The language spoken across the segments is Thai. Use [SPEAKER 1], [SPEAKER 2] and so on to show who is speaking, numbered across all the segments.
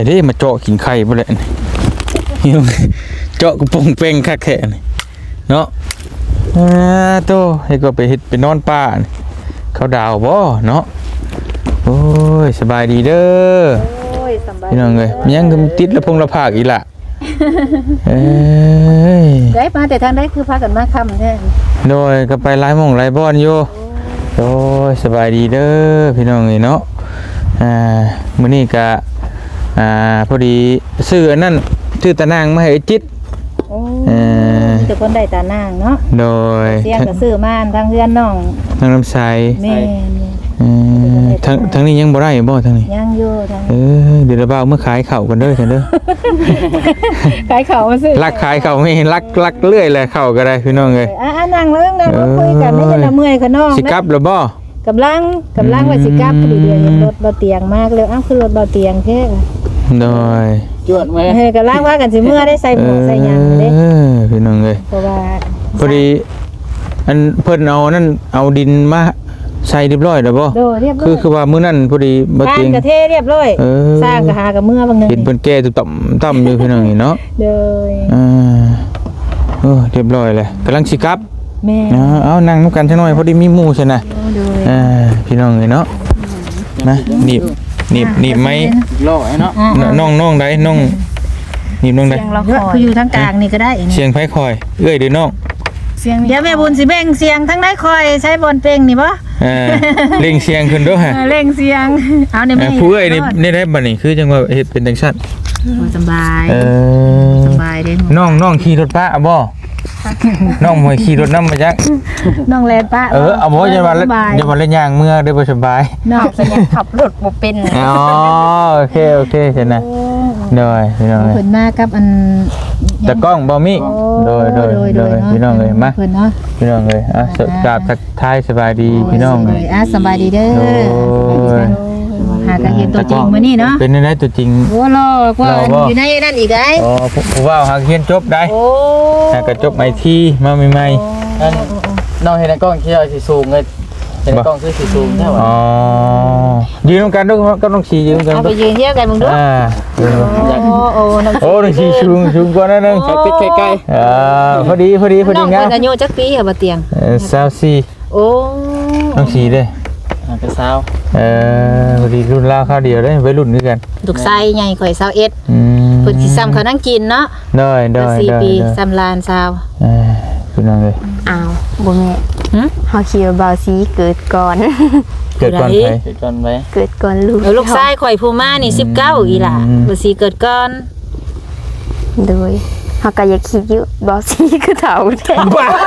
[SPEAKER 1] ได้มาเจาะกินไข่บ่เลยนี่เจาะกระปงเป้งคักแท้นี่เนาะโตให้ก็ไปเฮ็ดไปนอนป่าเขาดาวบ่เนาะโอ้ยสบายดีเด้อโอ้ยสบายพี่น้องเอ้ยมันยังติดละพงละภาคอีหล่ะ
[SPEAKER 2] ได้มาแต่ทางได้คือพากันมาค่ำแท้
[SPEAKER 1] โดยก็ไปหลายหม่องหลายบ่อนอยู่โอ้ยสบายดีเด้อพี่น้องเอ้ยเนาะมื้อนี้ก็พอดีซื้ออันนั้นซื้อตะนางมาให้ไอ้จิต
[SPEAKER 2] แต่คนได้ตานางเนาะ
[SPEAKER 1] โดย
[SPEAKER 2] เสียงก็ซื้อมาทางเฮือนน้อง
[SPEAKER 1] ทางน้ำใส
[SPEAKER 2] แม่
[SPEAKER 1] ทางนี้ยังบ่ได้บ่ทางนี้
[SPEAKER 2] ยังอยู่ทาง
[SPEAKER 1] เดี๋ยวเราเอาเมื่อขายข้าวกันเด้อซั่นเด้อ
[SPEAKER 2] ขายข้าวมาซื้อ
[SPEAKER 1] ลักขายข้าวไม่ลักเรื่อยแหละข้าวก็ได้พี่น้องเอ้ย
[SPEAKER 2] นั่งแล้วนั่งคุยกันไม่จะละเมื่อยค่ะน้อง
[SPEAKER 1] สิกลับหรือบ่
[SPEAKER 2] กำลังว่าสิกลับพอดีเดี๋ยวเห็นรถเบาเตียงมากเลยคือรถเบาเตียงแท้
[SPEAKER 1] โดย
[SPEAKER 3] จวดไหม
[SPEAKER 2] กำลังว่ากันสิเมื่อได้ใส่หมวกใส่ยางเด้
[SPEAKER 1] พี่น้องเอ้ย
[SPEAKER 2] เพราะว่า
[SPEAKER 1] พอดีอันเพิ่นเอานั่นเอาดินมาใส่เรียบร้อยแล้วบ่คือว่ามื้อนั้นพอดีบ่
[SPEAKER 2] เตียงกระเทเรียบร้อยสร้างกระหากับเมื่อบางนึง
[SPEAKER 1] เห็นเพิ่นแก้ต่ำอยู่พี่น้องนี่เนาะ
[SPEAKER 2] เด้อ
[SPEAKER 1] เรียบร้อยแล้วกำลังสิกลับ
[SPEAKER 2] แม่
[SPEAKER 1] เอานั่งนำกันจังหน่อยพอดีมีหมู่ซั่นน่ะพี่น้องนี่เนาะนะหนีบไม้
[SPEAKER 3] โลกไอ้เนาะ
[SPEAKER 1] น้องใดน้องหนีบน้องใด
[SPEAKER 2] คืออยู่ทางกลางนี่ก็ได้
[SPEAKER 1] เสียงไผคอยเอ้ยเด้อน้อง
[SPEAKER 2] เดี๋ยวแม่บุญสิแบ่งเสียงทั้งได้คอยใช้บอลเป่งนี่บ่
[SPEAKER 1] เร่งเสียงขึ้นด้วยฮะ
[SPEAKER 2] เร่งเสียงเอาในแม่
[SPEAKER 1] ผู้เอ้ยนี่ได้บัดนี้คือจังว่าเฮ็ดเป็นจังซั่น
[SPEAKER 2] สบายเด้
[SPEAKER 1] น้องขี่รถป้าบ่น้องบ่ขี่รถนำมาจัก
[SPEAKER 2] น้องแล่นป้า
[SPEAKER 1] เอาบ่อย่าว่าเล่นย่างเมื่อได้บ่สบาย
[SPEAKER 2] น้องสิขับรถบ่เป็น
[SPEAKER 1] อ๋อโอเคซั่นน่ะได้พี่น้อง
[SPEAKER 2] เพิ่นมากับอัน
[SPEAKER 1] ตะก้องบ่มีโดยพี่น้องเอ้ยมาพี่น้องเอ้ยกราบทักทายสบายดีพี่น้องเอ้ย
[SPEAKER 2] สบายดีเด้อหากันเห็นตัวจริงมื้อนี้เนาะ
[SPEAKER 1] เป็นได้ตัวจริง
[SPEAKER 2] โอ้รอกว่าอยู่ในนั่นอีกได้
[SPEAKER 1] ผู้ว่าหาเรียนจบได้ก็จบไอทีมาใหม่
[SPEAKER 3] ๆน้องเห็นในกล้องที่สิสูงเลยเห็นในกล้องคือสิสูงใช่ป่ะ
[SPEAKER 1] ยืนตรงกันด้วยก็ต้องชี้ยืนกัน
[SPEAKER 2] เอาไปยืนเทียบกันมึงดู
[SPEAKER 1] โอ้ต้องชี้สูงกว่านั้นนึง
[SPEAKER 3] ใกล้
[SPEAKER 1] พอดี
[SPEAKER 2] งามอายุจักปีเหรอบ่เตียง
[SPEAKER 1] 24โอ้ต้องชี้เด้
[SPEAKER 3] เป็นสาว
[SPEAKER 1] พอดีรุ่นราวข้าวเดียวได้ไว้รุ่นด้วยกัน
[SPEAKER 2] ลูกไส้ใหญ่ข่อย21เพิ่นสิซ้ำเขานั่งกินเนาะ
[SPEAKER 1] ได้
[SPEAKER 2] 4 ปีซ้ำลานสาว
[SPEAKER 1] พี่น้องเลย
[SPEAKER 4] อ้าวบ่แม่เฮาคิดว่าบ่าวสีเกิดก่อน
[SPEAKER 1] เกิดก่อนไผ
[SPEAKER 3] เกิดก่อนไหม
[SPEAKER 4] เกิดก่อน
[SPEAKER 2] ลูกไส้ข่อยผู้มานี่19อีหล่ะบ่สิเกิดก่อน
[SPEAKER 4] โดยเฮาก็อยากคิดอยู่บ่าวสีคือเฒ่าแท้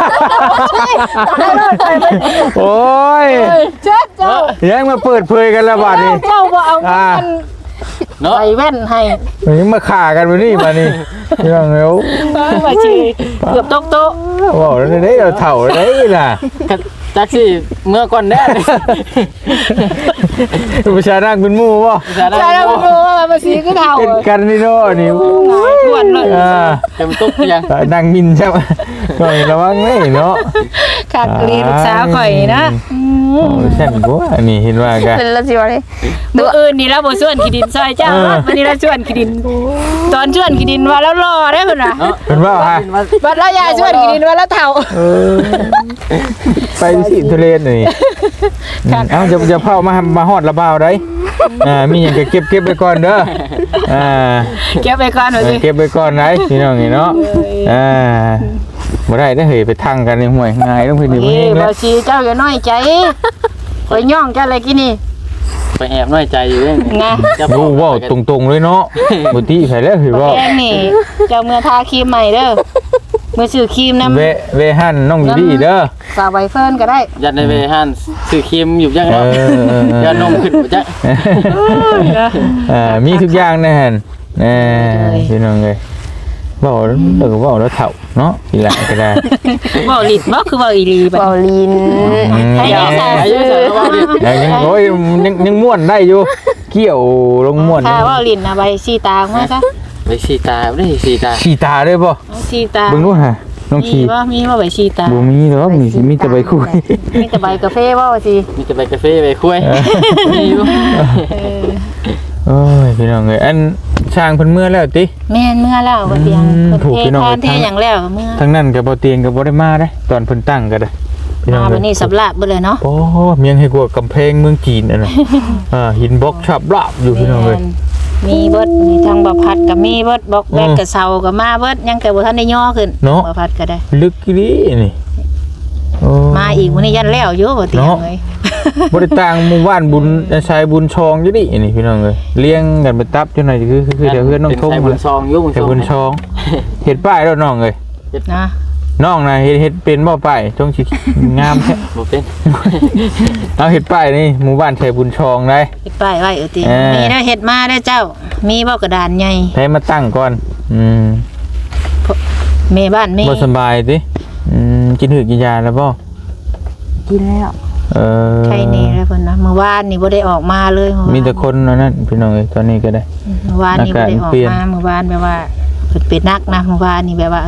[SPEAKER 1] โอ้ยเจ้ายังมาเปิดเผยกันแล้วบัดนี้
[SPEAKER 2] เจ้าบ่เอาเงินใส่แว่นให้
[SPEAKER 1] ยังมาฆ่ากันมื้อนี้บัดนี้ยังเร็ว
[SPEAKER 2] ว่าสิเกือบตกโต๊ะ
[SPEAKER 1] ว้าวได้เราเฒ่าได้ล่ะ
[SPEAKER 3] จักสิเมื่อก่อนแน่
[SPEAKER 1] ประชานั่งเป็นหมู่บ่
[SPEAKER 2] ประชานั่งเป็นหมู่ว่าบ่สิคือเฒ่า
[SPEAKER 1] กันนี่เนาะนี่
[SPEAKER 2] ทวนเลย
[SPEAKER 3] เต็มตุ๊กยัง
[SPEAKER 1] นั่งมินใช่มั้ยก็ระวังแม่เนาะ
[SPEAKER 2] คักเรียนลูกสาวข่อยนะ
[SPEAKER 1] ฉันบ่อันนี้เห็นว่ากัน
[SPEAKER 4] เป็นละสิว่าเลย
[SPEAKER 2] มื้ออื่นนี่แล้วบ่ชวนขี้ดินซอยเจ้าวันนี้เราชวนขี้ดินตอนชวนขี้ดินว่าแล้วรอได้เพิ่นน่ะ
[SPEAKER 1] เพิ่นว่าฮะ
[SPEAKER 2] บัดแล้วยายชวนขี้ดินว่าแล้วเฒ่า
[SPEAKER 1] ไปสิทุเรศนี่เอ้าจะเผามาฮอดระบาวได้มีหยังก็เก็บไปก่อนเด้อ
[SPEAKER 2] เก็บไปก่อนว่าสิ
[SPEAKER 1] เก็บไปก่อนไหนพี่น้องนี่เนาะบ่ได้เฮ้ยไปทั่งกันในห้วยง่ายต้องพี่นี่บ่เอง
[SPEAKER 2] แล้วบ่สิเจ้าอย่าน้อยใจข่อยย่องเจ้าอะไรกินนี่
[SPEAKER 3] ไปแอบน้อยใจอยู่เด้
[SPEAKER 2] นะ
[SPEAKER 1] จะรู้ว่าตรงๆเลยเนาะบ่ติไผแล้วคือว่า
[SPEAKER 2] แกงนี่เจ้าเมื่อทาครีมใหม่เด้อเมื่อซื้อครีมนำ
[SPEAKER 1] เวหั่นน้องอยู่ดีเด้อ
[SPEAKER 2] ฝากไว้เฟิร์นก็ได้
[SPEAKER 3] ยัดในเวหั่นซื้อครีมอยู่จังเนาะยัดนมขึ้นบ่จั
[SPEAKER 1] งมีทุกอย่างนะหั่นพี่น้องเอ้ยเว้าแล้วเฒ่าเนาะอีหล่ะก็ได้
[SPEAKER 2] เว้าลิ้นบ่คือเว้าอีหลี
[SPEAKER 4] เว้าลิ้น
[SPEAKER 1] ยังโอ้ยยังม่วนได้อยู่เกี่ยวลงม่วน
[SPEAKER 2] ถ้าเว้าลิ้นน่ะใบสีตามาซะ
[SPEAKER 3] ใบสีตาบ่ได้สีตา
[SPEAKER 1] ได้บ่
[SPEAKER 2] สีตา
[SPEAKER 1] เบิ่งดูฮะน้องชี
[SPEAKER 2] มีบ่ใบสีตา
[SPEAKER 1] บ่มีหรอกมีแต่ใบคุย
[SPEAKER 2] มีแต่ใบกาแฟบ่ว่าสิ
[SPEAKER 3] มีแต่ใบกาแฟใบคุยมีอยู่
[SPEAKER 1] โอ้ยพี่น้องเอ้ยอันช่างเพิ่นเมื่อแล้วติ
[SPEAKER 2] แม่นเมื่อแล้วบ่เตียง
[SPEAKER 1] อืม
[SPEAKER 2] เพิ่น
[SPEAKER 1] ถูก
[SPEAKER 2] เท
[SPEAKER 1] พี่น้อง
[SPEAKER 2] ทานเทหยังแล้วก็เมื่อ
[SPEAKER 1] ทั้งนั้นก็บ่เตียงก็บ่ได้มาเด้ตอนเพิ่นตั้งก็ได้พี่น้อง
[SPEAKER 2] มา
[SPEAKER 1] เอ้
[SPEAKER 2] บั
[SPEAKER 1] ย
[SPEAKER 2] ดนี้สำราบเบิดเลยเนาะ
[SPEAKER 1] โอ้เมียงให้กว่ากำแพงเมืองจีนอันน่ะ หินบล็อกฉับลาบอยู่พี่น้องเอ้ย
[SPEAKER 2] มีเบิดมีทางบ่พัดก็มีเบิดบอกแบก
[SPEAKER 1] อืม
[SPEAKER 2] กับเสาก็มาเบิดยังแต่บ่ทันได้ย่อขึ้น
[SPEAKER 1] เนาะ
[SPEAKER 2] บ่พัดก็ได้
[SPEAKER 1] ลึกอีหลีนี่โอ้
[SPEAKER 2] มาอีกมื้อนี้ยันแล้วอยู่บ่เตียง
[SPEAKER 1] เนาะ
[SPEAKER 2] เอ้ย
[SPEAKER 1] บ่ได้ต่างหมู่บ้านบุญชายบุญชองอยู่ดินี่พี่น้องเอ้ยเลี้ยงกันไปตับจังได๋คือเดี๋ยวเพื่อนน้องทง
[SPEAKER 3] เป็นไส้บุญซองอยู่
[SPEAKER 1] แต่บุญชองเฮ็ดป้ายแล้วน้องเอ้ย
[SPEAKER 2] นะ
[SPEAKER 1] น้องน่ะเฮ็ดเป็นบ่ป้ายจงสิงามแท้
[SPEAKER 3] บ่เป็น
[SPEAKER 1] เอาเฮ็ดป้ายนี่หมู่บ้านชายบุญชองได้
[SPEAKER 2] เฮ็ดป้ายไว้เตียง
[SPEAKER 1] เออ
[SPEAKER 2] มีได้เฮ็ดมาได้อเจ้า มีบ่กระดานใหญ่
[SPEAKER 1] ให้มาตั้งก่อน
[SPEAKER 2] แม่บ้านแม่
[SPEAKER 1] บ่สบายติกินหืดกินยาแล้วบ่
[SPEAKER 4] กินแล้ว
[SPEAKER 2] ใครแน่แล้วเพิ่นนะเมื่อวานนี่บ่ได้ออกมาเลยเอวาน
[SPEAKER 1] มีแต่คนอันนั้นพี่น้องเอ้ยตอนนี้ก็ได้
[SPEAKER 2] เมื่อวานนี่บ่ได้ออก
[SPEAKER 1] อากาศเปลี่ยน
[SPEAKER 2] มาเมื่อวานแบบว่าเพิ่นเป็นนักนะเมื่อวานนี่แบบว่า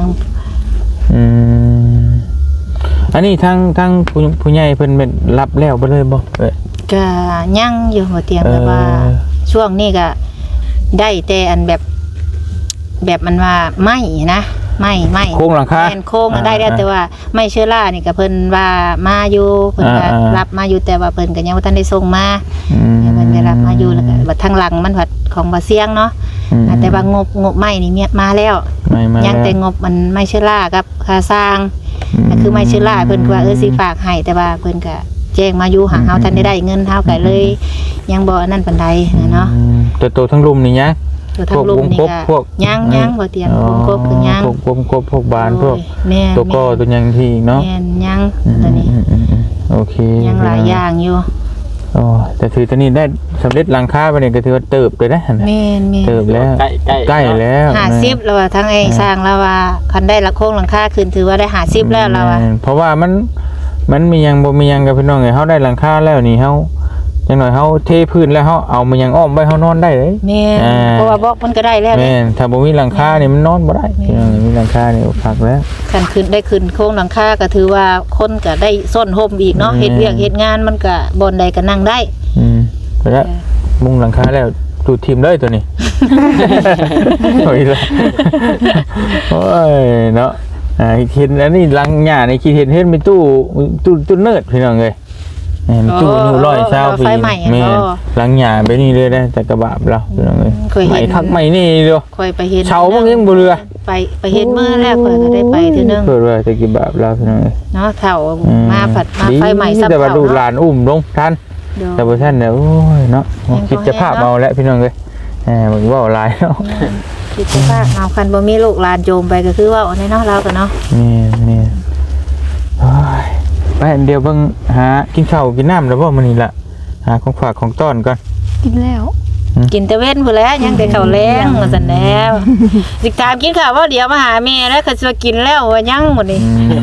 [SPEAKER 1] อันนี้ทั้งผู้ใหญ่เพิ่นเป็นรับแล้วบ่เลยบ่เอ้ย
[SPEAKER 2] ก็ยังอยู่บ่เตียงแบบว่า ช่วงนี้ก็ได้แต่อันแบบมันว่าไม่นะไม่
[SPEAKER 1] โครงหลังคา
[SPEAKER 2] แม่นโค้งน่ะได้แล้วแต่ว่าไม่เชื้อรานี่ก็เพิ่นว่ามาอยู่เพิ่นก็รับมาอยู่แต่ว่าเพิ่นก็ยังบ่ทันได้ส่งมาเพิ่นก็รับมาอยู่แล้วก็บัดทางหลังมันผัดของบ่เสียงเนาะแต่ว่างบไม้นี่มาแล้ว
[SPEAKER 1] ไม่มา
[SPEAKER 2] ยังแต่งบมันไม่เชื้อรากับค่าสร้างก็คือไม่เชื้อราเพิ่นก็ว่าสิฝากให้แต่ว่าเพิ่นก็แจ้งมาอยู่หาเฮาทันได้เงินเฮาก็เลย ยังบ่นั่นปานใดเนาะ
[SPEAKER 1] แต่ตัวทั้งลุมนี่ยะ
[SPEAKER 2] ตัวทางลุมนี่
[SPEAKER 1] พว
[SPEAKER 2] ก็
[SPEAKER 1] ก
[SPEAKER 2] ยังบ่เตียงวงกบคือยัง
[SPEAKER 1] พวกพวกบานพวก
[SPEAKER 2] แม่น
[SPEAKER 1] ตัวก็ตัวยังที่เนาะ
[SPEAKER 2] แม่นยังตัวนี้
[SPEAKER 1] โอเค
[SPEAKER 2] ยังหลายอย่างอยู่
[SPEAKER 1] อ๋อแต่ถือตัวนี้ได้สำเร็จหลังคาไปเนี่ยก็ถือว่าเติบเลยนะ
[SPEAKER 2] แม่น
[SPEAKER 1] เติบแล้ว
[SPEAKER 3] ใกล้
[SPEAKER 1] แล้ว
[SPEAKER 2] 50แล้วว่าทั้งไอ้สร้างแล้วว่าคันได้ละโครงหลังคาขึ้นถือว่าได้50แล้วเราว่า
[SPEAKER 1] เพราะว่ามันมียังบ่มียังกับพี่น้องไงเฮาได้หลังคาแล้วนี่เฮาจังหน่อยเฮาเทพื้นแล้วเฮาเอามันยังอ้อมไว้เฮานอนได้เลย
[SPEAKER 2] แม่นเพราะว่าบอกมันก็ได้แล้ว
[SPEAKER 1] แม่นถ้าบ่มีหลังคานี่มันนอนบ่ได้พี่น้องมีหลังคานี่พักแล้ว
[SPEAKER 2] คันขึ้นได้ขึ้นโครงหลังคาก็ถือว่าคนก็ได้ส้นห่มอีกเนาะเฮ็ดเวียกเฮ็ดงานมันก็บ่อนใดก็นั่งได้
[SPEAKER 1] ไปแล้วมุงหลังคาแล้วดูดทีมเลยตัวนี้ โอ้ยละโอ้ยเนาะเห็นอันนี้หลังหญ้านี่คิดเห็นมีตู้เนิร์ดพี่น้องเอ้ยมีตู้อยู่120ปีแม่หลังหญ้าไปนี่เลยได้แต่กระบะเราพี่น้องเอ้ยไม่คักไม่นี่เด้อ
[SPEAKER 2] ค่อยไปเฮ็ด
[SPEAKER 1] เช้ามันยังบ่เรือ
[SPEAKER 2] ไปเฮ็ดมื้อแล้วค่อยก็ได้ไปเทื่อนึง
[SPEAKER 1] เพิ่นว่าแต่กี่บาทเราพี่น้องเอ้ย
[SPEAKER 2] เนาะเฒ่ามาผัดมาไฟใหม่ซับ
[SPEAKER 1] แต่ว่า
[SPEAKER 2] เฒ่า
[SPEAKER 1] ดูหลานอุ้มลงทันแต่บ่ทันเนี่ยโอ้ยเนาะคิดจะภาพเอาแล้วพี่น้องเอ้ยมันเว้าหลายเนาะ
[SPEAKER 2] คิดว่าเอาคันบ่มีลูกหลานโจมไปก็คือว่าเอาในเนาะเราก็เนาะ
[SPEAKER 1] นี่โอ้ยไปเดี๋ยวเบิ่งหากินข้าวกินน้ำแล้วบ่มื้อนี้ล่ะหาของฝากของต้อนก่อน
[SPEAKER 4] กินแล้ว
[SPEAKER 2] กินแต่เว้นพุ่นแหล้วยังแต่ข้าวแรงว่าซั่นแล้วสิถามกินข้าวว่าเดี๋ยวมาหาแม่แล้วก็สิว่ากินแล้วว่ายังหมดนี่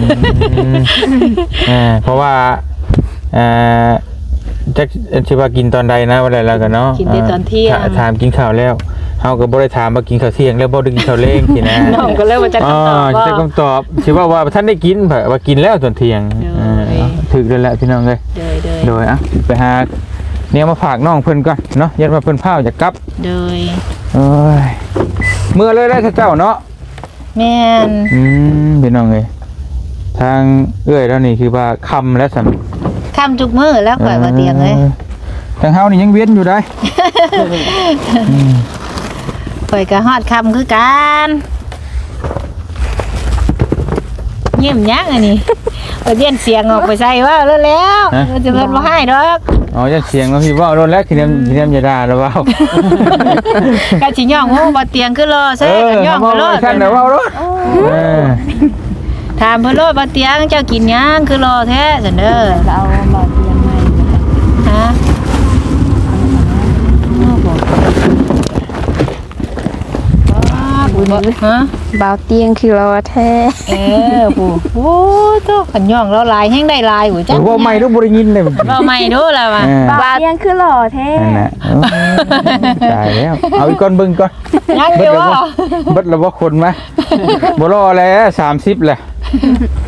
[SPEAKER 1] เพราะว่าจักสิว่ากินตอนใดนะว่าแล้วก็เนาะ
[SPEAKER 2] กินแต่ตอนเที่ยง
[SPEAKER 1] ถามกินข้าวแล้วเฮาก็บ่ได้ถามว่ากินข้าวเที่ยงแล้วบ่ได้กินข้าวแลงสินะ
[SPEAKER 2] น้องก็เลยว่าจะคำตอบว่า
[SPEAKER 1] จะคำตอบสิว่าท่านได้กินเผว่ากินแล้วตอนเที่ยงถึกแล้วแหละพี่น้องเอ้ย
[SPEAKER 2] โดย
[SPEAKER 1] ไปหาเนี่ยมาฝากน้องเพิ่นก่อนเนาะยันว่าเพิ่นพาจะกลับ
[SPEAKER 2] โดย
[SPEAKER 1] เอ้ยเมื่อเลยได้เจ้าเนาะ
[SPEAKER 2] แม่น
[SPEAKER 1] พี่น้องเอ้ยทางเอ้ยแล้วนี่คือว่าคำแล้วสั่น
[SPEAKER 2] ค่ำทุกมื้อแล้วข่อยว่าเตียงเอ้ย
[SPEAKER 1] ทางเฮานี่ยังเวียนอยู่ได้
[SPEAKER 2] ข่อยก็ฮอดค่ำคือกันเยี่ยมยักอันนี้ไปเรียนเสียงออกไปใส่ว่าแล้วจะเพิ่นบ่ให้ดอก
[SPEAKER 1] อ๋อจะเสียงแล้วพี่ว่าโดนแล้วทีนี้อย่าด่าแล้วว่า
[SPEAKER 2] ก็สิย่องฮู้บ่เตียงคือรอใส่ก็ย่องไปโลด
[SPEAKER 1] ท่านน่ะว่ารถ
[SPEAKER 2] ถามเพิ่นโลดบ่เตียงเจ้ากินหยังคือรอแท้ซั่นเด้อ
[SPEAKER 4] เอาบ่เตียงใหม่
[SPEAKER 2] ฮะฮะ
[SPEAKER 4] บ่าวเตียงคือรอแท้
[SPEAKER 2] ผู้โอ้โตขันย่องแล้วลายแห้งได้ลายหัวจัง
[SPEAKER 1] ว่าไม่รู้บ่ได้ยินเลย
[SPEAKER 2] เราไม่ดูแล้วว่ะ
[SPEAKER 4] บ่าวเตียงคือรอแท้
[SPEAKER 1] นั่นแหละตายแล้วเอาอีกก่อนเบิ่งก่อน
[SPEAKER 2] ยังอยู่บ่
[SPEAKER 1] เบิดแล้วบ่คนมาบ่รอแล้ว30แหละ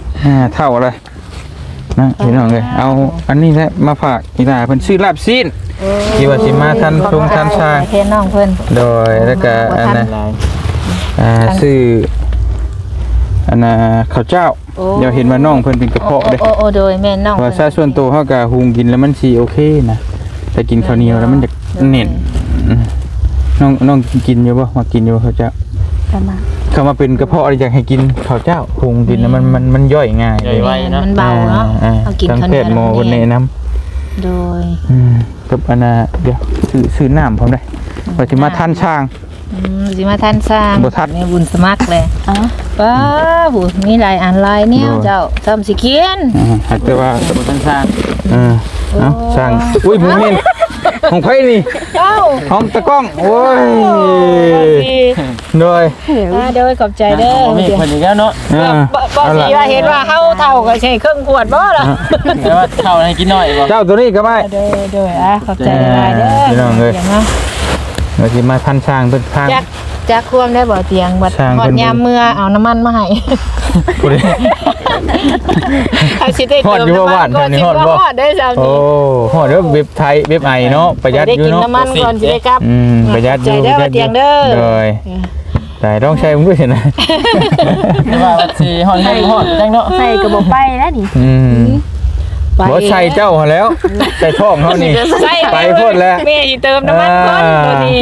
[SPEAKER 1] เท่าเลยนะพี่น้องเอ้ยเอาอันนี้แหละมาฝากอีตาเพิ่นซื้อลาบซีนคิดว่าสิมาทันชงทันช้าง
[SPEAKER 2] เทนน้องเพิ่น
[SPEAKER 1] โดยแล้วก็อันน่ะ
[SPEAKER 3] หลาย
[SPEAKER 1] ซื้ออันน่ะข้าวเจ้าเดี๋ยวเห็นว่าน้องเพิ่นเป็นกระเพาะเด้
[SPEAKER 2] โอ้โดยแม่น้อง
[SPEAKER 1] ว่าซาส่วนตัวเฮาก็หุงกินแล้วมันสิโอเคนะแต่กินข้าวเหนียวแล้วมันจะเน่นน้องกินอยู่บ่มากินอยู่ข้าวเจ้า
[SPEAKER 4] ประมาณ
[SPEAKER 1] เข้ามาเป็นกระเพาะอะไรอยากให้กินข้าวเจ้าหุงกินแล้วมันย่อยง่าย
[SPEAKER 3] ใหญ่ไว้เนาะ
[SPEAKER 2] มันเบาเนาะเอากิน
[SPEAKER 1] ทั้ง
[SPEAKER 2] ข้าว
[SPEAKER 1] แพ
[SPEAKER 2] เหนีย
[SPEAKER 1] ทย์หมอ
[SPEAKER 2] ว
[SPEAKER 1] เพิ่นแนะนำ
[SPEAKER 2] โดย
[SPEAKER 1] กับอันน่ะเดี๋ยวซื้อน้ำพร้อมได้ว่าสิมาทันช้าง
[SPEAKER 2] สิมาท่านสร้าง
[SPEAKER 1] บ่ทัน
[SPEAKER 2] แม่บุญสมัครเลย
[SPEAKER 4] อ๋อ
[SPEAKER 2] ป้าบุมีหลายอันหลายเนี่ยเจ้าทำสิเขียน
[SPEAKER 1] แต่ว่า
[SPEAKER 3] สมุทรสร้าง
[SPEAKER 1] เอ้าช้างอุ้ยบ่แม่นของไผนี่
[SPEAKER 2] เอ้า
[SPEAKER 1] ของตะก้องโอ้ยโดย
[SPEAKER 2] โดยขอบใจเด้อ
[SPEAKER 3] มีเพิ่นอีกแล้วเนาะ
[SPEAKER 2] บ่สิว่าเห็นว่าเฮาเฒ่าก็ใช้เครื่องขวดบ่ล่ะ
[SPEAKER 3] แต่ว่าเข้าให้กินน้อยบ่
[SPEAKER 1] เจ้าตัวนี้ก็ไม่
[SPEAKER 2] โดยขอบใจหลายเด้อ
[SPEAKER 1] พี่น้องเอ้ย
[SPEAKER 2] เนาะ
[SPEAKER 1] ว่าสิมาทันช้างเพิ่นทาง
[SPEAKER 2] จักควมได้บ่เตียงบัด
[SPEAKER 1] สร้าง
[SPEAKER 2] ฮอ
[SPEAKER 1] เพิ่
[SPEAKER 2] ด
[SPEAKER 1] น
[SPEAKER 2] ยามเมื่อเอาน้ำมันมาให้
[SPEAKER 1] ผู้ใด
[SPEAKER 2] เอาสิได้
[SPEAKER 1] ฮอดอยู่บ่บ้าน
[SPEAKER 2] ก่อน
[SPEAKER 1] แถวนี้
[SPEAKER 2] สิ
[SPEAKER 1] ฮอดบ่
[SPEAKER 2] ฮอดได้ซ้ํ
[SPEAKER 1] โอ้ฮอดเด้อเว็บไทยเว็บไอเนาะประหยัด
[SPEAKER 2] ได้
[SPEAKER 1] อยู่
[SPEAKER 2] กิน
[SPEAKER 1] เนาะ
[SPEAKER 2] น้ำมันก่อนสิได้กลับ
[SPEAKER 1] ประหยัดอยู่
[SPEAKER 2] ใจเด้อว่าเตียงเด้อ
[SPEAKER 1] โดยแต่ต้องใช้มึงด้วยนะ
[SPEAKER 3] แต่ว่าสิฮอดให้ฮอดจังเนาะ
[SPEAKER 4] ใส่กระบอกไปแล้วนี่
[SPEAKER 1] บ่ใช่เจ้าหั่นแล้วใส่ท้องเฮานี่
[SPEAKER 2] ใช่
[SPEAKER 1] ไปพูดแล้ว
[SPEAKER 2] แม่สิเติมน้ำมันก่อนตัวนี้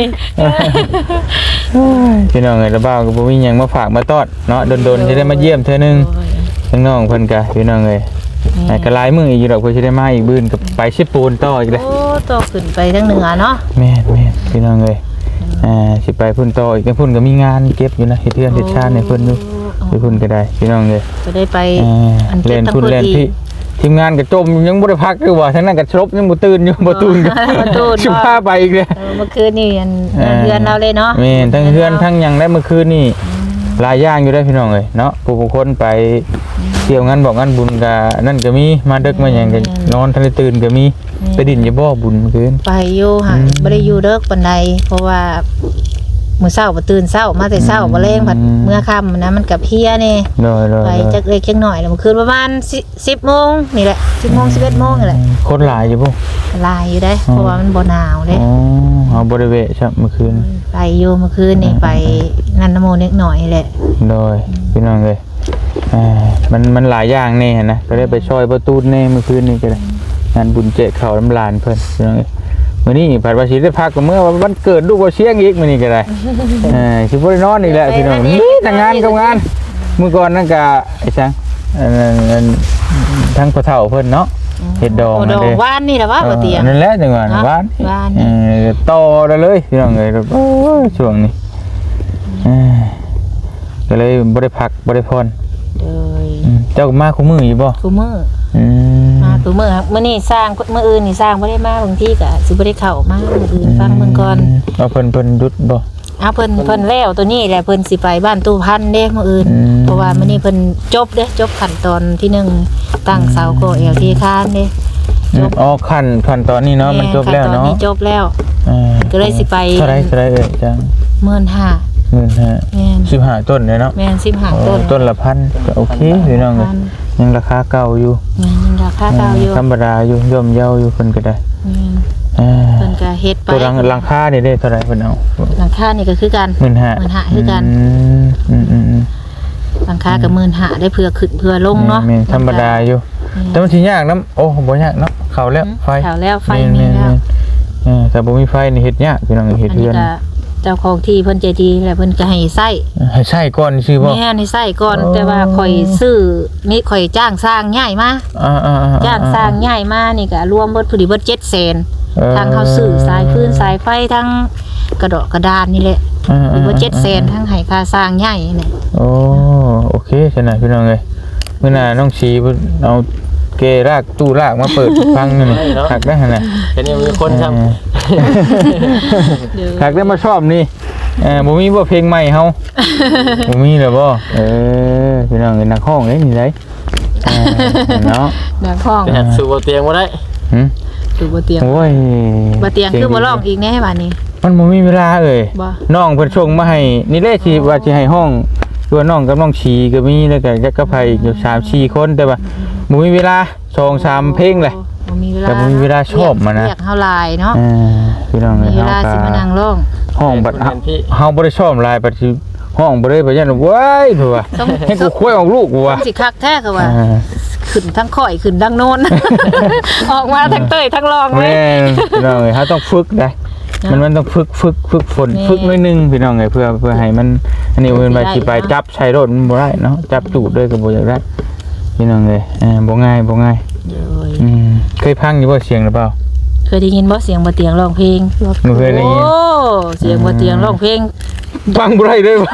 [SPEAKER 1] พี่น้องเอ้ยระบ้าวก็บ่มีหยังมาฝากมาต้อนเนาะดนๆจะได้มาเยี่ยมเทื่อนึงทั้งน้องเพิ่นก็พี่น้องเอ้ยก็หลายมื้ออีกอยู่ดอกเพิ่นสิได้มาอีกบื้นก็ไปชิปูนต่ออีกเด้
[SPEAKER 2] โอ้โตขึ้นไปทางเหนือเนาะ
[SPEAKER 1] แม่นพี่น้องเอ้ยสิไปพุ่นต่ออีกพุ่นก็มีงานเก็บอยู่นะเฮ็ดเรือนเฮ็ดชาติให้เพิ่นอยู่ไปพุ่นก็ได้พี่น้องเอ้ย
[SPEAKER 2] จะได้ไปอัน
[SPEAKER 1] เล่
[SPEAKER 2] เก็บ
[SPEAKER 1] น
[SPEAKER 2] ทั้ง
[SPEAKER 1] พุ่น
[SPEAKER 2] พื้น
[SPEAKER 1] เล่น
[SPEAKER 2] ที่
[SPEAKER 1] พี่ทีมงานก็จมยังบ่ได้พักอยู่ว่าทั้งนั้นก็ชบยังบ่ตื่นอยู่บ่ตื่นกัน
[SPEAKER 2] บ่ตื่น
[SPEAKER 1] สิพาไปอีกเด้
[SPEAKER 2] เมื่อคืนนี่อันเรือนเราเลยเนาะ
[SPEAKER 1] แม่นทั้งเฮือนทั้งหยังได้เมื่อคืนนี่หลายอย่างอยู่ได้พี่น้องเอ้ยเนาะผู้คนไปเที่ยวงานบอกงานบุญก็นั่นก็มีมาดึกมาหยังก็นอนทันได้ตื่นก็มีไปดินอย่าบ่บุญเมื่อคืน
[SPEAKER 2] ไปอยู่หาบ่ได้อยู่เด้อปานใดเพราะว่ามื้อเช้าบ่ตื่นเช้ามาแต่เช้าบ่แลงผัดเมื่อค่ำนะมันก็เพลียนี่
[SPEAKER 1] โดย
[SPEAKER 2] ไปจักเล็กจักน้อยแล้วเมื่อคืนประมาณ10 โมงนี่แหละ10 โมง 11 โมงนี่แหละ
[SPEAKER 1] คนหลายอยู่บ่
[SPEAKER 2] ลายอยู่ได้เพราะว่ามันบ่หนาวเด้
[SPEAKER 1] อ๋อเอาบ่ได้เวะครับเมื่อคืน
[SPEAKER 2] ไปอยู่เมื่อคืนนี่ไปนันนโมนิดหน่อยแหละ
[SPEAKER 1] โดยพี่น้องเอ้ยมันหลายอย่างแน่นะก็ได้ไปช่วยประตูแน่เมื่อคืนนี่ก็ได้งานบุญเจเขาน้ำลานเพิ่นพี่น้องเอ้ยมื้อนี้ผัดว่าสิได้พักก็เมื่อวันเกิดลูกบ่เชียงอีกมื้อนี้ก็ได้สิบ่ได้นอนอีกแล้วพี่น้องนี่แต่งานกับงานมื้อก่อนนั่นก็ไอ้จังทั้งพ่อเฒ่าเพิ่นเนาะเฮ็ดดอง
[SPEAKER 2] โอ้
[SPEAKER 1] นั่
[SPEAKER 2] ด
[SPEAKER 1] น
[SPEAKER 2] อก
[SPEAKER 1] เด้
[SPEAKER 2] ว่านนี่แหละว่าบ่เตียง
[SPEAKER 1] นั่นแหละจังหวะบ้าน
[SPEAKER 2] บ้าน
[SPEAKER 1] ต่อได้เลยพี่น้องเอ้ยโอ้ยช่วงนี้ก็เลยบ่ได้พักบ่ได้พร
[SPEAKER 2] เลย
[SPEAKER 1] เจ้ามาคู่มืออยู่บ่
[SPEAKER 2] กูมือ
[SPEAKER 1] อืม
[SPEAKER 2] มากูมือครับมื้อนี้สร้างมื้ออื่นนี่สร้างบ่ได้มาบางทีก็สิบ่ได้เข้ามามื้ออื่นฟังเบิ่งก่อน
[SPEAKER 1] เอาเพิ่นหยุดบ่
[SPEAKER 2] อ้าวเพิ่นแล้วตัวนี้แหละเพิ่นสิไปบ้านตู้พันเด้มื้ออื่น เพราะว่ามื้อนี้เพิ่นจบเด้จบขั้นตอนที่1ตั้งเสาโกเอลที่คานเด้
[SPEAKER 1] อ๋อขั้นตอนนี้เนาะมันจบแล้วเนาะ
[SPEAKER 2] ขั้ตอจบแล้ว ก็เลยสิไป
[SPEAKER 1] เท่าไรเอ่ยจัง
[SPEAKER 2] 15,000
[SPEAKER 1] 15,000
[SPEAKER 2] แม่น
[SPEAKER 1] 15ต้นเลยเนาะ
[SPEAKER 2] แม่น15ต้น
[SPEAKER 1] ต้นละพันก็โอเคพี่น้องเอ้ยยังราคาเก่าอยู่
[SPEAKER 2] แม่นยังราคาเก่าอยู่
[SPEAKER 1] ธรรมดาอยู่ย่อมเยาอยู่เพิ่นก็ได้
[SPEAKER 2] แม่น
[SPEAKER 1] อ่า
[SPEAKER 2] เพิ่นก็เฮ็ดไป
[SPEAKER 1] ตัวหลังคานี่ได้เท่าไหร่เพิ่นเอา
[SPEAKER 2] หลังคานี่ก็คือกัน
[SPEAKER 1] 15,000
[SPEAKER 2] คือกัน หลังคากับ15,000ได้เพื่อขึ้นเพื่อลงเนาะ
[SPEAKER 1] แม่นธรรมดาอยู่แต่มันสิยากนํโอ้บ่ยากเนาะเข้าแล้วไฟ
[SPEAKER 2] เข้าแล้วไฟมีแล้ว
[SPEAKER 1] แต่บ่มีไฟนี่เฮ็ดยากพี่น้องเฮ็ด
[SPEAKER 2] อัน
[SPEAKER 1] เฮื
[SPEAKER 2] นี้
[SPEAKER 1] อน
[SPEAKER 2] ก็เจ้าของที่เพิ่นใจดีแหละเพิ่นก็ให้ใช้
[SPEAKER 1] ให้ใช้ก่อนสิบ่
[SPEAKER 2] แม่ให้ใช้ก่อน
[SPEAKER 1] อ๋อ
[SPEAKER 2] แต่ว่าข่อยซื้อมีข่อยจ้างสร้างใหญ่มา
[SPEAKER 1] ๆๆ
[SPEAKER 2] จ้างสร้างใหญ่มานี่ก็รวมเบิดผู้ดีเบิด700,000ทางเขาซื้อสายพื้นสายไฟทั้งกระดอกกระดานนี่แหละมีเบิด700,000ทั้งให้ค่าสร้างใหญ่นี่
[SPEAKER 1] โอ้โอเคฉะนั้นพี่น้องเอ้ยมื้อหน้าน้องชีเพิ่นเอาเกรากตู้รากมาเปิดฟังนี่หักได้หั่นน่ะ
[SPEAKER 3] แต่นี่มีคนทำ
[SPEAKER 1] หักได้มาชอบนี่บ่มีบ่เพลงใหม่เฮาบ่มีเลยบ่พี่น้องเอ้ยนักร้องเด้นี่ได้เนาะ
[SPEAKER 2] นักห้อง
[SPEAKER 3] แต่สู่บ่เตียงบ่ได้
[SPEAKER 2] ดูบ่เตียง
[SPEAKER 1] โอ้ย
[SPEAKER 2] บ่เตียงคือบ่ร้องอีกแน่บัดนี้
[SPEAKER 1] มันบ่มีเวลาเอ้ย
[SPEAKER 2] บ่
[SPEAKER 1] น้องเพิ่นส่งมาให้นี่แหละที่ว่าสิให้ห้องตัวน้องกับน้องชีก็มีแล้วก็จักกับไผอีกอยู่3-4คนแต่ว่าบ่มีเวลา2-3เพลงเลย
[SPEAKER 2] โอ้มีเวลา
[SPEAKER 1] แต่บ่มีเวลาชอบมันนะ
[SPEAKER 2] เรียกเฮาหลายเนาะ
[SPEAKER 1] พี่น้อง
[SPEAKER 2] มี
[SPEAKER 1] เอ้ย
[SPEAKER 2] เวลาสิมานั่งร้อง
[SPEAKER 1] ห้องบัดเฮาบ่ได้ชอบลายบัดสิห้องบ่ได้ไปยันเว้ยเพิ่นว่าให้กูคุยออกลูกกูว่า
[SPEAKER 2] สิคักแท้คือว่าขึ้นทั้งข่อยขึ้นทั้งโน้น ออกมาทั้งเต้ยทั้งรองเลย
[SPEAKER 1] แม่นพี่น้องเอ้ยเฮาต้องฝึกได้มันต้องฝึกฝนฝึกหน่อยนึงพี่น้องเอ้ยเพื่อให้มันอันนี้เพิ่นไปสิไปจับใช้รถมันบ่ได้เนาะจับจูดด้วยก็บ่อยากได้พี่น้องเอ้ยบ่ง่ายเคยพังอยู่บ่เสียงหรือเปล่า
[SPEAKER 2] เคยได้ยินบ่เสียงบ่เตียงร้องเพลง
[SPEAKER 1] หนูเคยได้ยิน
[SPEAKER 2] โอ้เสียงบ่เตียงร้องเพลง
[SPEAKER 1] ฟังบ่ได้เลยบ่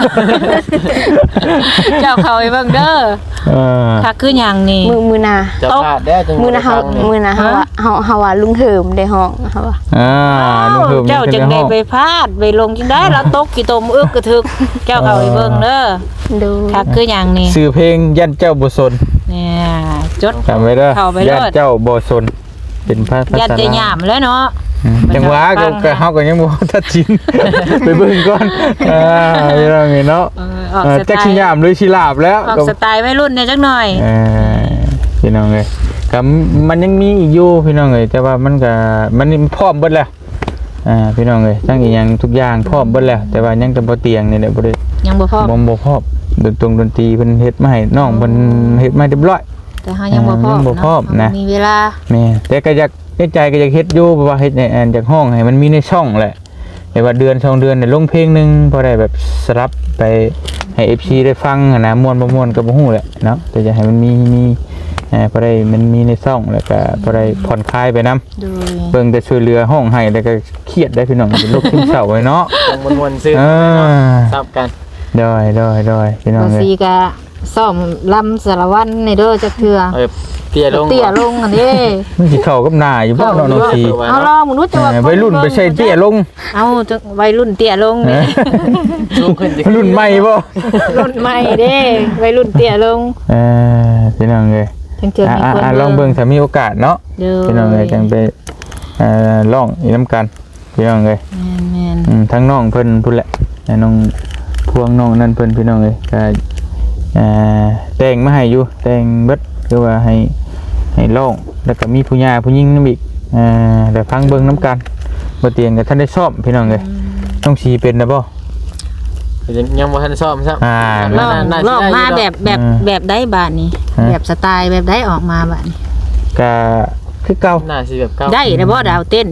[SPEAKER 2] เจ้าเขาไอ้เบิ่งเด้อคักคือหยังนี่
[SPEAKER 4] มือนา
[SPEAKER 3] จะพลาดได้จัง
[SPEAKER 4] มือนาเฮาว่าลุงเหิมได้ห้องเฮาว่า
[SPEAKER 1] ลุงเพิ่ม
[SPEAKER 2] เจ้าจังได้ไปพาดไปลงจังได้แล้วตกกี่ตมอึกกระทึกเจ้าเขาไอ้เบิ่งเด้อ
[SPEAKER 4] ดู
[SPEAKER 2] คักคือหยังนี่
[SPEAKER 1] ชื่อเพลงยันเจ้าบ่สน
[SPEAKER 2] เนี่ยจด
[SPEAKER 1] จำไว้เด้อ
[SPEAKER 2] เข้าไป
[SPEAKER 1] ยั
[SPEAKER 2] โล
[SPEAKER 1] น
[SPEAKER 2] ด
[SPEAKER 1] เจ้าบ่สนเป็นภาษา
[SPEAKER 2] ยันจะหยามแล้วเนาะ
[SPEAKER 1] จังหวะก็เฮาก็ยังบ่ทัดชิน ไปเบิ่งก่อนพี่น้องเอ้ยเนาะ
[SPEAKER 2] ออกสไต
[SPEAKER 1] จักสิ
[SPEAKER 2] ล์
[SPEAKER 1] ยามหรือสิลาบแล้ว
[SPEAKER 2] ออกสไตล์วัยรุ่นเนี่ยจักหน่อย
[SPEAKER 1] พี่น้องเอ้ยก็มันยังมีอีกอยู่พี่น้องเอ้ยแต่ว่ามันพร้อมเบิดแล้วพี่น้องเอ้ยทั้งอีหยังทุกอย่างพร้อมเบิดแล้วแต่ว่ายังแต่บ่เตียงนี่แหละบ่ได้
[SPEAKER 2] ยังบ่พอ
[SPEAKER 1] บ่พร้อมดนตรีเพิ่นเฮ็ดมาให้น้องเพิ่นเฮ็ดมาเรียบร้อย
[SPEAKER 2] แต่เฮายังบ่พอ
[SPEAKER 1] ยังบ่พร้อมนะ
[SPEAKER 2] มีเวลา
[SPEAKER 1] แม่แต่ก็อยากในใจก็อยากเฮ็ดอยู่เพราะว่าเฮ็ดในจากห้องให้มันมีในช่องแหละแต่ว่าเดือน2เดือนเนี่ยลงเพลงนึงพอได้แบบสรับไปให้ FC ได้ฟังนะม่วนบ่ม่วนก็บ่ฮู้แหละเนาะแต่จะให้มันมีพอได้มันมีในช่องแล้วก็พอได้ผ่อนคลายไปนํ
[SPEAKER 2] โดย
[SPEAKER 1] เบิ่งแต่ช่วยเหลือห้องให้แล้วก็เครียดได้พี่น้องเป็นโรคซึมเศร้าไว้เนาะ
[SPEAKER 3] ยังมวนๆซื้อซับกัน
[SPEAKER 1] ได้พี่น้อง
[SPEAKER 2] บ่
[SPEAKER 1] เอ้ย
[SPEAKER 2] ซีก็ซ่อมลำสารวัตรในเด้อจักเทื่อ
[SPEAKER 3] เตี้ยลง
[SPEAKER 2] เตี้ยลงอันนี้
[SPEAKER 1] มันสิเข้ากับหน้าอยู่บ่เนาะน้องสี
[SPEAKER 2] เอาลองมึงรู้จักว่า
[SPEAKER 1] วัยรุ่นไปใส่เตี้ยลง
[SPEAKER 2] เอาจังวัยรุ่นเตี้ยลงนี่
[SPEAKER 3] สูงขึ้น
[SPEAKER 1] รุ่นใหม่บ่
[SPEAKER 2] รุ่นใหม่เด้วัยรุ่นเตี้ยลง
[SPEAKER 1] พี่น้องเอ้ย
[SPEAKER 2] จังเจอมีคน
[SPEAKER 1] ลองเบิ่งถ้ามีโอกาสเนาะ
[SPEAKER 2] เด้อ
[SPEAKER 1] พี่น้องเอ้ยจังไปลองอีกน้ำกันพี่น้องเอ้ย
[SPEAKER 2] แม่น
[SPEAKER 1] ทั้งน้องเพิ่นพุ่นแหละน้องพวงน้องนั่นเพิ่นพี่น้องเอ้ยก็แต่งมาให้อยู่แต่งเบิดคือว่าให้ลองแล้วก็มีผู้หญิงผู้หญิงนำอีกแต่ฟังเบิ่งน้ำกันบ่เตียงก็ท่านได้ชอบพี่น้องเอ้ยต้องสีเป็นนะบ่
[SPEAKER 3] ยังบ่ทันซ่อมซับ
[SPEAKER 2] ลองมาแบบได้บาดนี้แบบสไตล์แบบได้ออกมาบาดนี้
[SPEAKER 1] ก็คือเก่า
[SPEAKER 3] น่าสิแบบเก่า
[SPEAKER 2] ได้แล้วบ่ดาวเต้น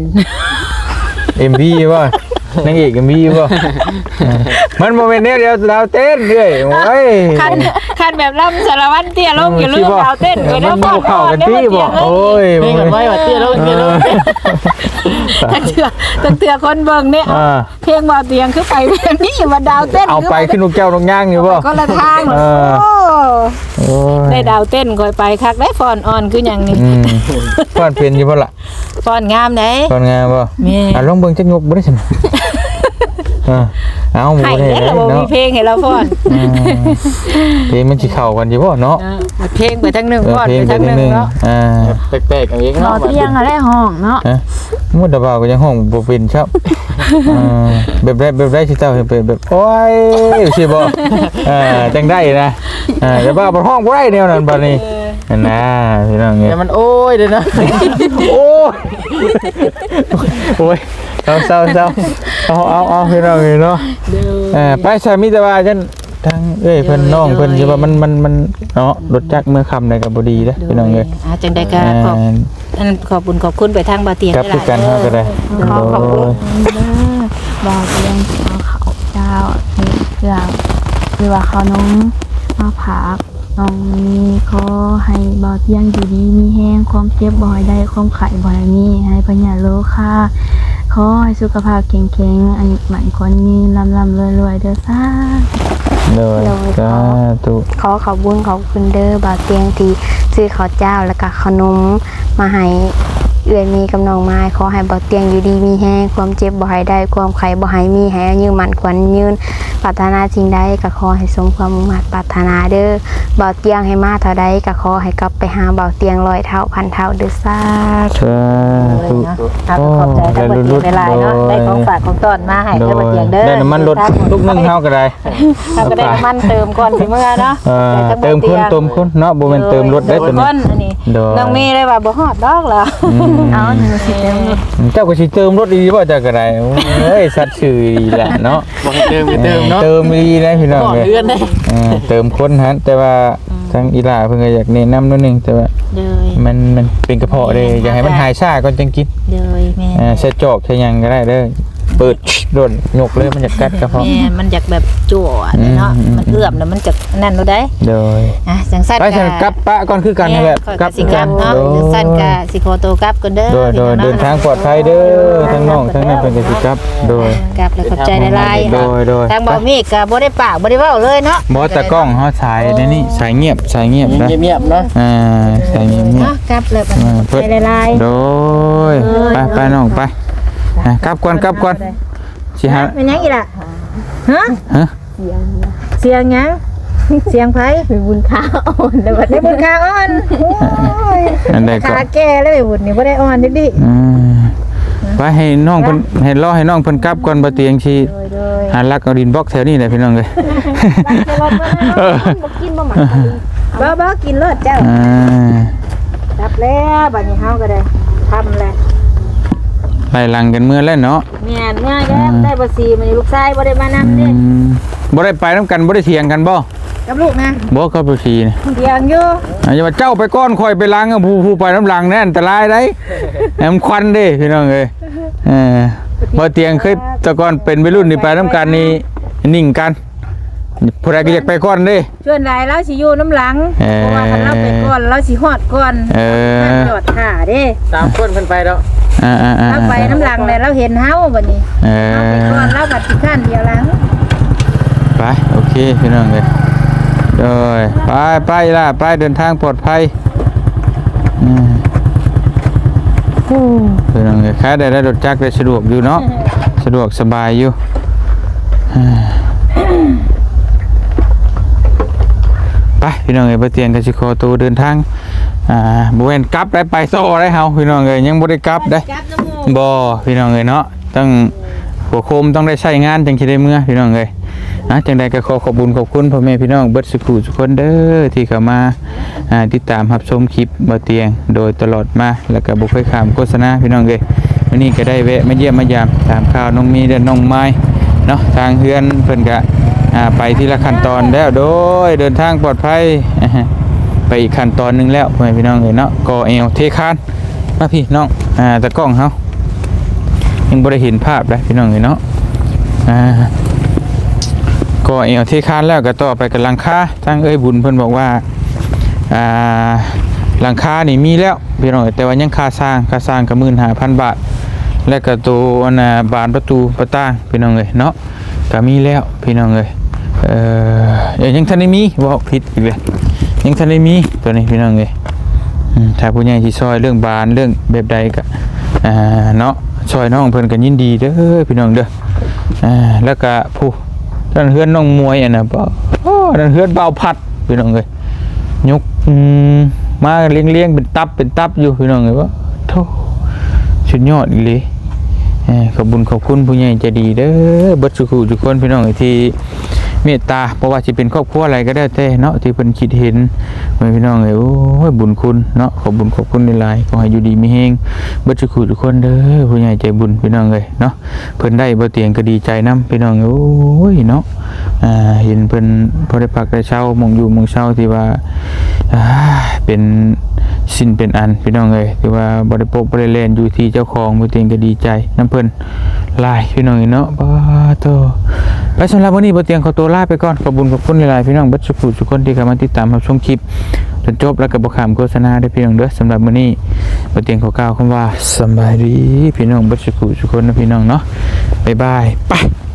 [SPEAKER 1] MV บ่นางเอก MV บ่มันบ่แม่นแนวเดียวดาวเต้นเด้ยโอ้ย
[SPEAKER 2] คันแบบลำสารวัตรเตี้ยลงอย่าลืมดาวเต้นไปเด้อ
[SPEAKER 1] มันบ่เข้ากันที่บ่โอ้ย
[SPEAKER 3] เพลงกันไว้ว่าเตี้ยลง
[SPEAKER 2] ตั้งเถื่อคนเบิ่งเนี่ยเพลงว่าเตียงคือไปแบบนี้ว่าดาวเต้น
[SPEAKER 1] เอาไปขึ้นลูกแก้วลูกย่างอยู่บ่
[SPEAKER 2] คนละทางโอ้ได้ดาวเต้นค่อยไปคักได้ฟอนออนคือหยังนี่
[SPEAKER 1] ฟ้อนเป็นอยู่บ่ล่ะ
[SPEAKER 2] ฟอนงามเด้
[SPEAKER 1] ฟ้อนงามบ่
[SPEAKER 2] แม่
[SPEAKER 1] ลองเบิ่งจักยกบ่ได้ซั่นเอาบ่
[SPEAKER 2] ให้
[SPEAKER 1] ได้
[SPEAKER 2] เราบ่มี
[SPEAKER 1] เนาะ
[SPEAKER 2] เพลงให้เราฟอน
[SPEAKER 1] เพลงมันสิเข้ากันอยู่บ่เนาะ
[SPEAKER 2] เพลงไปทั้งนึงฟอนไปทั้งนึงเนาะ
[SPEAKER 3] แปลกๆอย่างนี้
[SPEAKER 4] รอ
[SPEAKER 3] เนาะ
[SPEAKER 4] เที่ยงอะไรห้องเนาะ
[SPEAKER 1] มุดดาวก็ยังห้องบ่เป็นครับแบบได้สิเจ้าเห็นเป็นแบบโอ้ยสิบ่จังได้นะแต่ว่าบ่ห้องบ่ได้แนวนั้นบัดนี้นะพี่น้องเอ้ย
[SPEAKER 3] แต่มันโอ้ยเด้อนะ
[SPEAKER 1] โอ้ยเศร้าเอาพี่น้องเนาะไปใส่มิตรว่าจันทางเพิ่นน้องเพิ่นสิว่ามันเนาะรถจักรเมื่อค่ำได้ก็บ่ดีเด้อพี่น้องเอ้ย
[SPEAKER 2] จังได้ก็ขอบคุณไปทางบ่เตียง
[SPEAKER 1] ครับคือกันเฮาก็ได้
[SPEAKER 4] ขอบคุณบ่เตียงเขาเจ้านี่เรื่องหรือว่าเขาน้องมาผักน้องมีขอให้บ่เตียงอยู่ดีมีแห้งความเจ็บบ่ให้ได้ความไข้บ่ให้มีให้พญาโลค่าขอให้สุขภาพแข็งแรงอายุมั่นขวัญยืนร่ำรวยเด้อซ่า
[SPEAKER 1] เลยสาธุ
[SPEAKER 4] ขอขอบคุณขอบคุณเด้อบ่าวเตียงที่ซื้อข้าวเจ้าแล้วก็ขนมมาให้เอื้อยมีกับน้องไม้ขอให้บ่าวเตียงอยู่ดีมีแฮงความเจ็บบ่ให้ได้ความไข้บ่ให้มีให้อายุมั่นขวัญยืนปรารถนาสิ่งใดก็ขอให้สมความมุ่งมั่นปรารถนาเด้อเบาเตียงให้มาเท่าใดก็ขอให้กลับไปหาเบาเตียง100 เท่าพันเท่าเด้อซ่า
[SPEAKER 1] สา
[SPEAKER 2] เลย
[SPEAKER 1] ธุ
[SPEAKER 2] เนาะเอาขอบใจทั้งบ่เตียงหลายๆเนาะได้ของฝากของต้อนมาให้ทั้งบ่เตียงเด้อ
[SPEAKER 1] ได้น้ำมันรถลูกนึงเฮาก็ได้
[SPEAKER 2] เราก็ได้น้ำมันเติมก่อนสิเมื่อเนาะ
[SPEAKER 1] เติมคนเติมคนเนาะบ่แม่นเติมรถได้ตัวนี้
[SPEAKER 2] อันนี้
[SPEAKER 1] โดย
[SPEAKER 2] น้องมีได้ว่าบ่ฮอดดอกเหรอ
[SPEAKER 4] เอาหนูสิเติมรถ
[SPEAKER 1] เจ้าก็สิเติมรถดีบ่เจ้าก็ได้เอ้ยสัตว์ชื่อดีแหละเนาะ
[SPEAKER 3] บ่ให้เติมก็เติมเนาะ
[SPEAKER 1] เติมดีนะพี่น้อง
[SPEAKER 3] ก่อน
[SPEAKER 1] เอ้ย
[SPEAKER 3] เดือนได้
[SPEAKER 1] เติมคนฮะแต่ว่าทางอีหลาเพิ่นก็อยากแนะนำนิดนึงแต่ว่า
[SPEAKER 2] เลย
[SPEAKER 1] มันเป็นกระเพาะเลยอยากให้มันหายซ่าก่อนจังกิน
[SPEAKER 2] เลยแม่
[SPEAKER 1] ใช้จอกใช้หยังก็ได้เด้อเปิดโดนยกเลยมันจะกัดกระเพาะ
[SPEAKER 2] แม่มันอยากแบบจั่วเนาะมันเอื้อมแล้วมันจะนั่นดูได้
[SPEAKER 1] โดย
[SPEAKER 2] จังซั่น
[SPEAKER 1] ไปฉันกลับปะก่อนคือกันนั่นแหละ
[SPEAKER 2] กลับสิกลับเนาะจังซั่นก็สิขอตัวกลับก่อนเด้อ
[SPEAKER 1] โดยเดินทางปลอดภัยเด้อทั้งน้องทั้งนั้นเป็นกสิกลับโดย
[SPEAKER 2] กลับแล้วขอบใจหลายๆ
[SPEAKER 1] โดย
[SPEAKER 2] ทางบ่มีก็บ่ได้ปากบ่ได้เว้าเลยเนาะ
[SPEAKER 1] บ่ตะกล้องเฮาสายในนี่สายเงียบนะ
[SPEAKER 3] เงียบๆเนาะ
[SPEAKER 1] สายเงียบ
[SPEAKER 2] เนาะกลับแล้วขอบใจหลาย
[SPEAKER 1] โดยไปน้องไปกลับก่อนสิฮะ
[SPEAKER 2] ๆเป็นหยังอีล่ะฮะ
[SPEAKER 1] ฮะ
[SPEAKER 2] เสียงหยังเสียงไผ
[SPEAKER 4] เป็นบุญค้าอ่อนแล้วบัด
[SPEAKER 2] ได้
[SPEAKER 4] นี้
[SPEAKER 2] บุญขาอ่อนโอ้ย
[SPEAKER 1] อันใดก็
[SPEAKER 2] ขาแก่เลยบุญนี่บ่ได้อ่อนดิ
[SPEAKER 1] ไปให้น้องเพิ่นให้รอให้น้องเพิ่นกลับก่อนบ่เตียงสิหาลักเอาดินบล็อกแถวนี้แหละพี่น้องเอ้ย
[SPEAKER 4] บ่กินบ่หมัก
[SPEAKER 2] บ่กินเลิศเจ้ารับแล้วบัดนี้เฮาก็ได้ทำแล้ว
[SPEAKER 1] ไล่หลังกันเมื่อแล้วเนาะ
[SPEAKER 2] แม่นเมื่อแก้ได้บ่ซีมันลูกชายบ่ได้มานำเด้
[SPEAKER 1] บ่ได้ไปนํกันบ่ได้เถียงกันบ่
[SPEAKER 2] กับลูกนะ
[SPEAKER 1] บ่กับบ่ซีนี่
[SPEAKER 2] เถียงอยู่
[SPEAKER 1] อย่าว่าเจ้าไปก้อนข่อยไปล้างกับผู้ไปน้ำหลังนั่นอันตรายได้แหมควันเด้พี่น้องเอ้ยบ่เตียงเคยแต่ก่อนเป็นวัยรุ่นนี่ไปน้ำกันนี่นิ่งกันผู้ใดก็อยากไปก้อนเด้
[SPEAKER 2] ชวนหลายเราสิอยู่น้ำหลังเพราะว่าคันเราไปก่อนเราสิฮอดก่อนจอดท่าเด้
[SPEAKER 3] ตามคนเพิ่นไปแล้ว
[SPEAKER 2] เราไปน้ำหลังแล้วเราเห็นเฮาบัดนี้เราไปก่อนเราบัดสิข้านเดียวหลัง
[SPEAKER 1] ไปโอเคพี่น้องเอ้ยโดยไปล่ะไปเดินทางปลอดภัยพี่น้องเอ้ยค้าได้รถจักรได้สะดวกอยู่เนาะสะดวกสบายอยู่ไปพี่น้องเอ้ยบ่เตียงก็สิขอตัวเดินทางบ่แม่นกลับไปโซ่ได้เฮาพี่น้องเอ้ยยังบ่ได้กลับได้บ่พี่น้องเอ้ยเนาะต้องหัวโคมต้องได้ใช้งานจังสิได้เมื่อพี่น้องเอ้ยจังใดก็ขอขอบคุญขอบคุณพ่อแม่พี่น้องเบิดสุขทุกคนเด้อที่เข้ามาติดตามรับชมคลิปบ่เตียงโดยตลอดมาแล้วก็บ่เคยข้ามโฆษณาพี่น้องเอ้ยวันนี้ก็ได้แวะมาเยี่ยมมายามตามข่าวน้องมีและน้องไม้เนาะทางเฮือนเพิ่นก็ไปทีละขั้นตอนแล้วโดยเดินทางปลอดภัยไปอีกขั้นตอนนึงแล้วพ่อแม่พี่น้องเอ้ยเนาะก่อเอวเทคานมาพี่น้องตะกล้องเฮายังบ่ได้เห็นภาพได้พี่น้องเอ้ยเนาะก่อเอวเทคานแล้วก็ต่อไปกับหลังคาทางเอ้ยบุญเพิ่นบอกว่าหลังคานี่มีแล้วพี่น้องแต่ว่ายังค่าสร้างก็ 15,000 บาทและก็ตัวบานประตูประต่างพี่น้องเอ้ยเนาะก็มีแล้วพี่น้องเอ้ยยังทันได้มีว่าผิดอีกเลยยังทันได้มีตัวนี้พี่น้องเอ้ยถ้าผู้ใหญ่ที่ซอยเรื่องบานเรื่องแบบใดก็เนาะซอยน้องเพิ่นก็ยินดีเด้อพี่น้องเด้อแล้วก็ผู้นั่นเฮือนน้องมวยน่ะบ่นั่นเฮือนเบาพัดพี่น้องเอ้ยยกมาเลี้ยงเป็นตับอยู่พี่น้องเอ้ยว่าโธ่สุดยอดอีหลีขอบคุณผู้ใหญ่ใจดีเด้อเบิดสุขุทุกคนพี่น้องที่เมตตาเพราะว่าสิเป็นครอบครัวอะไรก็ได้แต่เนาะที่เพิ่นคิดเห็นพี่น้องเอ้ยโอ้ยบุญคุณเนาะขอบคุณหลายๆขอให้อยู่ดีมีแฮงเบิดสุขุทุกคนเด้อผู้ใหญ่ใจบุญพี่น้องเอ้ยเนาะเพิ่นได้บ่เตียงก็ดีใจนํพี่น้องโอ้ยเนาะเห็นเพิ่นพอได้พักได้เช้ามองอยู่มองเช้าที่ว่าเป็นสิ้นเป็นอันพี่น้องเอ้ยที่ว่าบ่ได้พบบ่ได้เล่นอยู่ที่เจ้าของบ่เตียงก็ดีใจนํเพิ่นหลายพี่น้องเนาะบ่โตไปสำหรับวันนี้บ่เตียงขอตัวลาไปก่อนขอบคุณหลายๆพี่น้องเบิดทุกคนที่เข้ามาติดตามรับชมคลิปจนจบแล้วก็บ่ข้ามโฆษณาได้พี่น้องเด้อสำหรับมื้อนี้บ่เตียงขอกล่าวคำว่าสบายดีพี่น้องเบิดทุกคนนะพี่น้องเนาะบ๊ายบายไป